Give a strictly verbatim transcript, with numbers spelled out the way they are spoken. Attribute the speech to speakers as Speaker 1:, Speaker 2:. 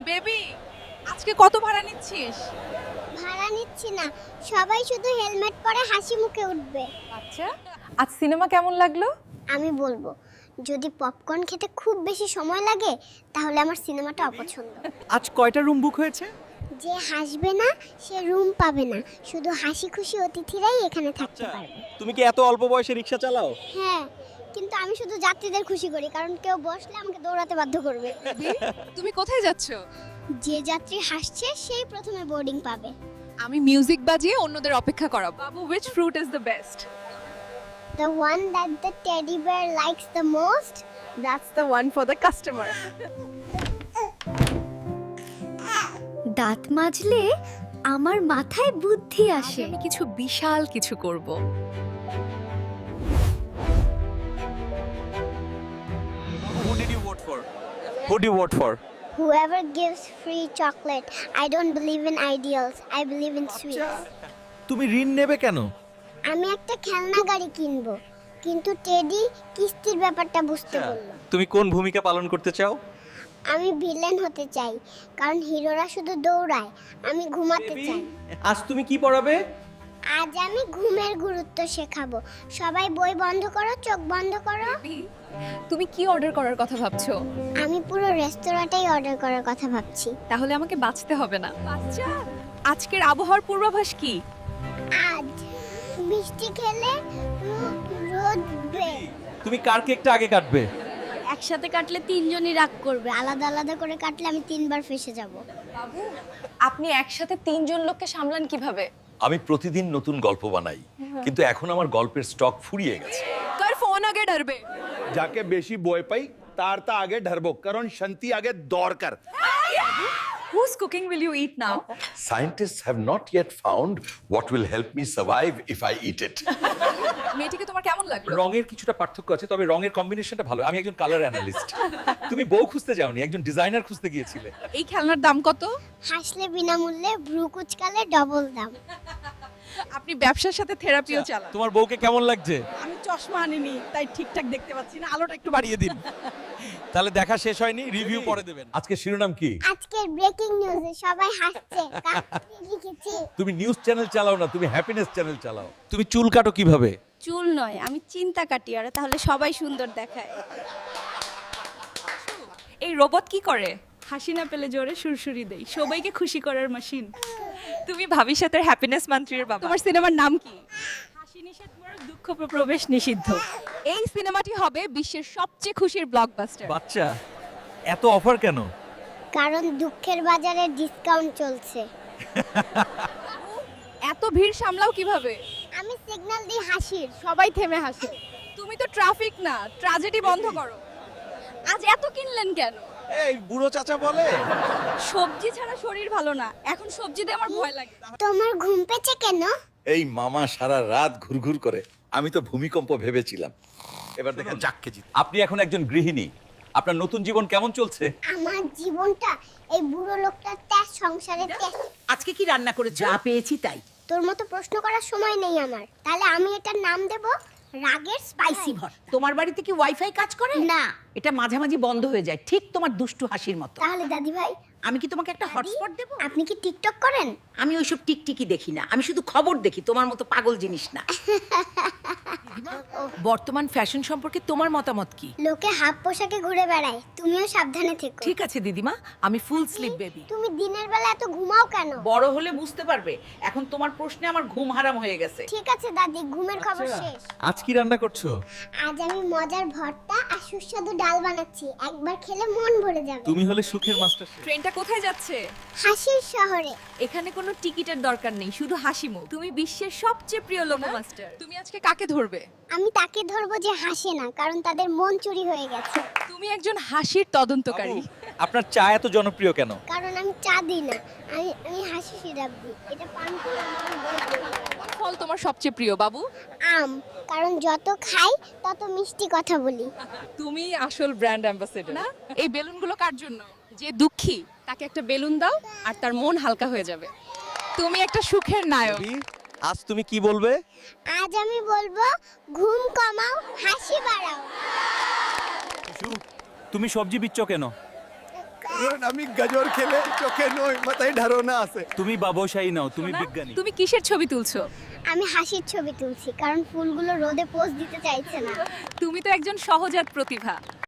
Speaker 1: Baby, আজকে কত ভাড়া নিচ্ছিস?
Speaker 2: ভাড়া নিচ্ছি না, সবাই শুধু হেলমেট পরে হাসি মুখে উঠবে।
Speaker 1: আচ্ছা, আজ সিনেমা কেমন লাগলো?
Speaker 2: আমি বলবো, যদি পপকর্ন খেতে খুব বেশি সময় লাগে তাহলে আমার সিনেমাটা অপছন্দ।
Speaker 3: আজ কয়টা রুম বুক হয়েছে?
Speaker 2: যে হাসবে না সে রুম পাবে না, শুধু হাসি খুশি অতিথিরাই এখানে থাকতে পারবে।
Speaker 3: তুমি কি এত অল্প বয়সে রিক্সা চালাও?
Speaker 2: হ্যাঁ, কিন্তু আমি শুধু যাত্রীদের খুশি করি, কারণ কেউ বসলে আমাকে দৌড়াতে বাধ্য করবে।
Speaker 1: বেবি, তুমি কোথায় যাচ্ছ?
Speaker 2: যে যাত্রী হাসছে সেই প্রথমে বোর্ডিং পাবে।
Speaker 1: আমি মিউজিক বাজিয়ে অন্যদের অপেক্ষা করাবো। বাবু, which fruit is the best?
Speaker 2: The one that the teddy bear likes the most.
Speaker 1: That's the one for the customer.
Speaker 4: দাঁত মাজলে আমার মাথায় বুদ্ধি আসে।
Speaker 1: আমি কিছু বিশাল কিছু করব।
Speaker 3: Who did you vote for? Who do you vote for?
Speaker 2: Whoever gives free chocolate. I don't believe in ideals. I believe in sweets.
Speaker 3: তুমি ঋণ নেবে কেন?
Speaker 2: আমি একটা খেলনা গাড়ি কিনবো, কিন্তু টেডি কিস্তির ব্যাপারটা বুঝতে বললো।
Speaker 3: তুমি কোন ভূমিকা পালন করতে চাও?
Speaker 2: আমি ভিলেন হতে চাই, কারণ হিরোরা শুধু দৌড়ায়, আমি ঘুমাতে চাই।
Speaker 3: আজ তুমি কি পড়াবে?
Speaker 2: আজ আমি ঘুমের গুরুত্ব শেখাবো। সবাই বই বন্ধ করো, চোখ বন্ধ করো।
Speaker 1: তুমি কি অর্ডার করার কথা ভাবছো?
Speaker 2: আমি পুরো রেস্তোরাঁটাই অর্ডার করার কথা ভাবছি।
Speaker 1: তাহলে আমাকে বাঁচতে হবে না। বাচ্চা, আজকের আবহাওয়ার পূর্বাভাস কি?
Speaker 2: আজ বৃষ্টি খেলে রো- রোদ উঠবে।
Speaker 3: তুমি কার কেকটা আগে কাটবে?
Speaker 2: একসাথে কাটলে তিনজনই রাগ করবে, আলাদা আলাদা করে কাটলে আমি তিনবার ফেসে যাব।
Speaker 1: বাবু, আপনি একসাথে তিনজন লোককে সামলান কিভাবে?
Speaker 5: আমি প্রতিদিন নতুন গল্প বানাই, কিন্তু এখন আমার গল্পের স্টক ফুরিয়ে গেছে।
Speaker 1: তোর ফোন আগে ডরবে।
Speaker 6: যাকে বেশি বই পাই তার তা আগে ঢারবো, কারণ শান্তি আগে দরকার।
Speaker 1: Whose cooking will you eat now?
Speaker 5: Scientists have not yet found what will help me survive if I eat it.
Speaker 1: মেয়েটিকে তোমার কেমন লাগলো?
Speaker 5: রঙের কিছুটা পার্থক্য আছে, তবে রঙের কম্বিনেশনটা ভালো। আমি একজন কালার অ্যানালিস্ট। তুমি বউ খুঁজতে যাওনি, একজন ডিজাইনার খুঁজতে গিয়েছিলে।
Speaker 1: এই খেলনার দাম কত?
Speaker 2: হাসলে বিনামূল্যে, ভ্রু কুচকালে ডবল দাম।
Speaker 1: আপনি ব্যবসার সাথে থেরাপিও চালান।
Speaker 3: তোমার বউকে কেমন লাগছে?
Speaker 1: আমি চশমা আনিনি, তাই ঠিকঠাক দেখতে পাচ্ছি না। আলোটা একটু বাড়িয়ে দিন।
Speaker 3: তাহলে দেখা শেষ হয়নি, রিভিউ পরে দেবেন।
Speaker 5: আজকে শিরোনাম কি?
Speaker 2: আজকের ব্রেকিং নিউজে সবাই হাসছে, কাকে লিখেছি?
Speaker 5: তুমি নিউজ চ্যানেল চালাও না, তুমি হ্যাপিনেস চ্যানেল চালাও।
Speaker 3: তুমি চুল কাটো কিভাবে?
Speaker 4: চুল নয়, আমি চিন্তা কাটি, আর তাহলে সবাই সুন্দর দেখায়।
Speaker 1: এই রোবট কি করে?
Speaker 7: হাসি না পেলে জোরে সুরসুরি দেই, সবাইকে খুশি করার মেশিন।
Speaker 1: তুমি ভবিষ্যতের হ্যাপিনেস মন্ত্রীর বাবা। তোমার সিনেমার নাম কি?
Speaker 7: হাসি নিষেধ, মোর দুঃখ প্রবেশ নিষিদ্ধ।
Speaker 1: এই সিনেমাটি হবে বিশ্বের সবচেয়ে খুশির ব্লকবাস্টার।
Speaker 3: বাচ্চা, এত অফার কেন?
Speaker 2: কারণ দুঃখের বাজারে ডিসকাউন্ট চলছে।
Speaker 1: এত ভিড় সামলাও কিভাবে?
Speaker 2: আমি সিগন্যাল দিই হাসির।
Speaker 1: সবাই থেমে হাসে। তুমি তো ট্রাফিক না, ট্র্যাজেডি বন্ধ করো। আজ এত কিনলেন কেন?
Speaker 3: এই বুড়ো চাচা বলে।
Speaker 7: সবজি ছাড়া শরীর ভালো না, এখন সবজি দিয়ে আমার ভয় লাগে।
Speaker 2: তোমার ঘুম পেছে কেন?
Speaker 5: এই মামা সারা রাত ঘুরঘুর করে, আমি তো ভূমিকম্প ভেবেছিলাম। এবার দেখেন যাক কেজি। আপনি এখন একজন গৃহিণী, আপনার নতুন জীবন কেমন চলছে?
Speaker 2: আমার জীবনটা এই বুড়ো লোকটার ত্যাস সংসারে ত্যাস।
Speaker 8: আজকে কি রান্না করেছো? যা পেয়েছি তাই।
Speaker 2: তোর মতো প্রশ্ন করার সময় নেই আমার। তাহলে আমি এটার নাম দেব রাগের
Speaker 8: স্পাইসি ভর্তা। তোমার বাড়িতে কি ওয়াইফাই কাজ করে?
Speaker 2: না।
Speaker 8: এটা মাঝামাঝি বন্ধ হয়ে যায়, ঠিক তোমার দুষ্টু হাসির মতো।
Speaker 2: তাহলে দাদি ভাই,
Speaker 8: আমি কি তোমাকে একটা হটস্পট দেব?
Speaker 2: আপনি কি টিকটক করেন?
Speaker 8: আমি ওইসব টিকটিকি দেখি না, আমি শুধু খবর দেখি, তোমার মতো পাগল জিনিস না। বর্তমান ফ্যাশন সম্পর্কে তোমার মতামত কি?
Speaker 2: লোকে হাফ পোশাকে ঘুরে বেড়ায়, তুমিও সাবধানে থেকো।
Speaker 8: ঠিক আছে দিদিমা, আমি ফুল স্লিপ বেবি।
Speaker 2: তুমি দিনের বেলা এত ঘুমাও কেন?
Speaker 8: বড় হলে বুঝতে পারবে, এখন তোমার প্রশ্নে আমার ঘুম হারাম হয়ে গেছে।
Speaker 2: ঠিক আছে দাদি, ঘুমের খবর শেষ।
Speaker 3: আজ কি রান্না করছো?
Speaker 2: আজ আমি মজার ভর্তা আর সুস্বাদু ডাল বানাচ্ছি, একবার খেলে মন ভরে যাবে।
Speaker 3: তুমি হলে সুখের মাস্টার।
Speaker 1: ট্রেনটা কোথায় যাচ্ছে?
Speaker 2: হাসির শহরে।
Speaker 1: এখানে কোনো টিকিটের দরকার নেই, শুধু হাসি মুখ। তুমি বিশ্বের সবচেয়ে প্রিয় লোক মাস্টার। তুমি আজকে কাকে ধরবে?
Speaker 2: আমি তাকে ধরবো যে হাসে না, কারণ তাদের মন চুরি হয়ে গেছে।
Speaker 1: তুমি একজন হাসির তদন্তকারী।
Speaker 3: আপনার চা এত জনপ্রিয় কেন?
Speaker 2: কারণ আমি চা দিই না, আমি আমি হাসি সিরাপ দিই। এটা পান করে আমার মন ভরে যাবে।
Speaker 1: ফল তোমার সবচেয়ে প্রিয় বাবু?
Speaker 2: আম, কারণ যত খাই তত মিষ্টি কথা বলি।
Speaker 1: তুমি আসল ব্র্যান্ড অ্যাম্বাসেডর না? এই বেলুনগুলো কার জন্য? যে দুঃখী তাকে একটা বেলুন দাও আর তার মন হালকা হয়ে যাবে। তুমি একটা সুখের নায়ক।
Speaker 3: আজ তুমি কি বলবে?
Speaker 2: আজ আমি বলবো ঘুম কমাও, হাসি বাড়াও।
Speaker 3: তুমি সবজি বিচ্ছ কেন?
Speaker 6: আমি গাজর খেলে চোখে নয় মাথায় ধারণা আছে।
Speaker 3: তুমি বাবুশাহী নাও, তুমি বিজ্ঞানী।
Speaker 1: তুমি কিসের ছবি তুলছো?
Speaker 2: আমি হাসির ছবি তুলছি কারণ ফুলগুলো রোদে পোজ দিতে চাইছে না।
Speaker 1: তুমি তো একজন সহজাত প্রতিভা।